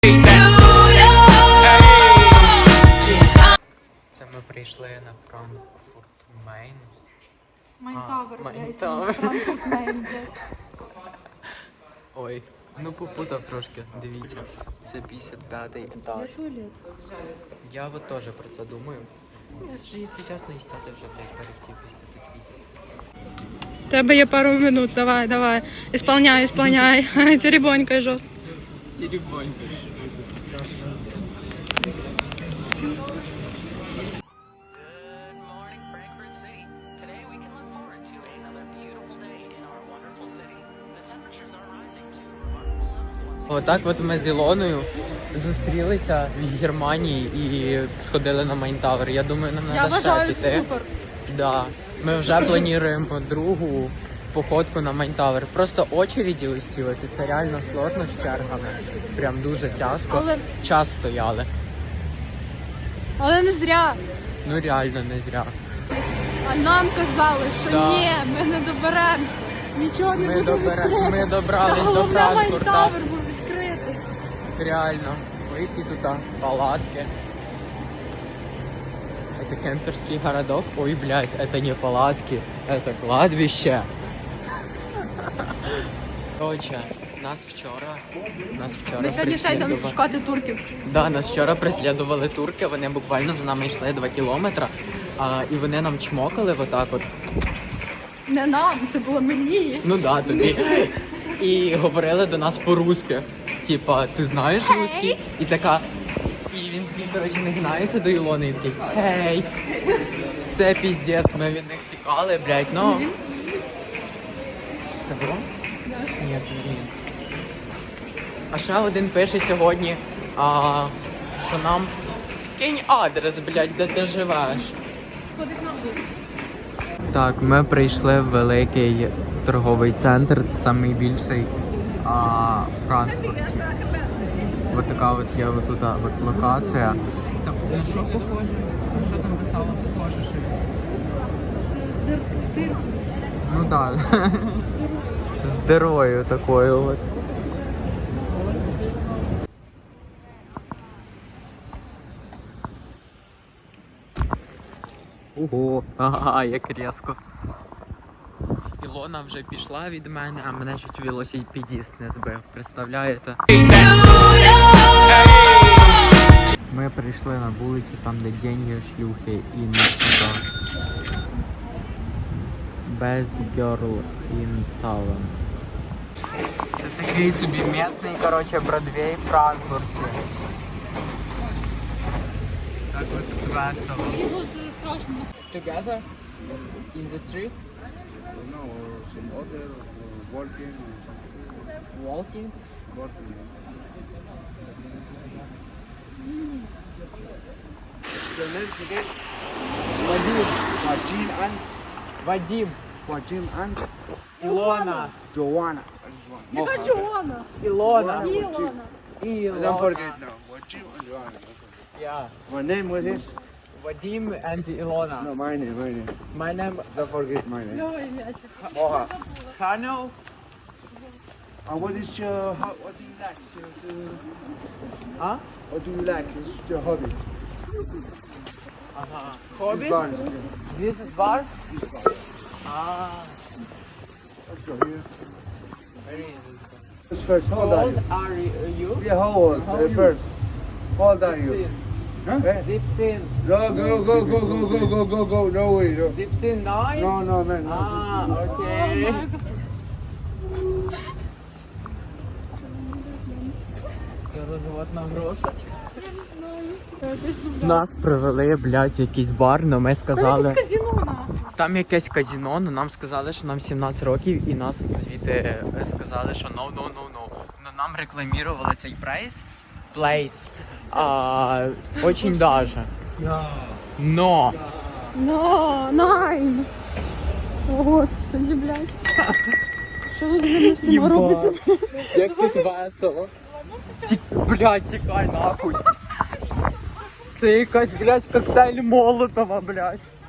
Це ми прийшли на Франкфурт Мейн. Майнтавер, Майнтавер. Франкфурт Мейн, блядь. Ой, ну попутав трошки, дивіться. Це 55-й етаж. Я от теж про це думаю. Якщо чесно, і сяти вже, блядь, перехтів після цих відео. Тебе є пару минут, давай. Исполняй. Теребонькай жорстко. Теребонька. Отак от ми з Ілоною зустрілися в Германії і сходили на Майнтавер. Я думаю, нам Я треба ще вважаю, піти. супер. Да. Ми вже плануємо другу походку на Майнтавер. Просто очереді ось ці, от, і це реально сложно з чергами. Прям дуже тяжко. Час стояли. Але не зря. Ну реально не зря. А нам казали, що Да. ні, ми не доберемося. Нічого не буде відкрито. Ми добрались до Головне, Франкфурта. Майнтавер був відкритий. Реально. Ой, які тут палатки. Это кемперский городок. Ой, блядь, это не палатки, это кладбище. Короче, нас вчора Ми сьогодні ще йдемо преслідували- шукати турків. Да, нас вчора преслідували турки, вони буквально за нами йшли 2 кілометри, і вони нам чмокали отак от. Не нам, це було мені. Ну да, тобі. І говорили до нас по-русски. Типа, ти знаєш русський? І така. І він, коротше, не гнається до Ілони і такий, гей. Це піздець, ми від них тікали, блядь, ну. Це було? Ні, це не він. А ще один пише сьогодні, що нам скинь адрес, блядь, де ти живеш. Сходить на вулицю. Так, ми прийшли в великий торговий центр, це найбільший в Франкфурті. Ось така от є отут от локація. Це на що похоже? На що там писало похоже? З Ну так. З дирою такою от. Ого, ага, як різко. Ілона вже пішла від мене, а мене чуть велосипедист не збив. Представляєте? Ми прийшли на вулицю, там де деньги, шлюхи і ніхто. Best girl in town. Це такий собі місний, коротше, Бродвей в Франкфурті. Так от тут весело. Це страшно. Together? In the street? No, some other walking. Walking? Walking. Your names again? Вадим. Wajin and Вадим. Wajin and Ілона. Joanna. Яка Джоанна? Ілона. Ілона. Don't forget now. Wajin and Joanna. Yeah. My name what is? Vadim and Ilona. No, my name. My name Don't forget my name. Ой, м'ячик. Moha. Hano. And what is your what do you like? Huh? What do you like? This is your hobbies. Hobbies? Bar. This is bar? Ah. Let's go here. Where is this? Let's first, how How old are old you? are you? Yeah, how old? How old First. How old are you? 17. Huh? 17. No, go. No way, no. 17, 9? No, man. No. Ah, okay. Це розвод на гроші. Нас привели, блядь, в якийсь бар, но ми сказали... Казино нахуй. Там якесь казино, но нам сказали, що нам 17 років і нас звідти сказали, що no. Но нам рекламували цей плейс. Очень даже. Но. Найн. О, господи, блядь. Що ви з ними всіма робите? Як тут весело. Блядь, тікай нахуй. Це якась, блядь, коктейль Молотова, блядь.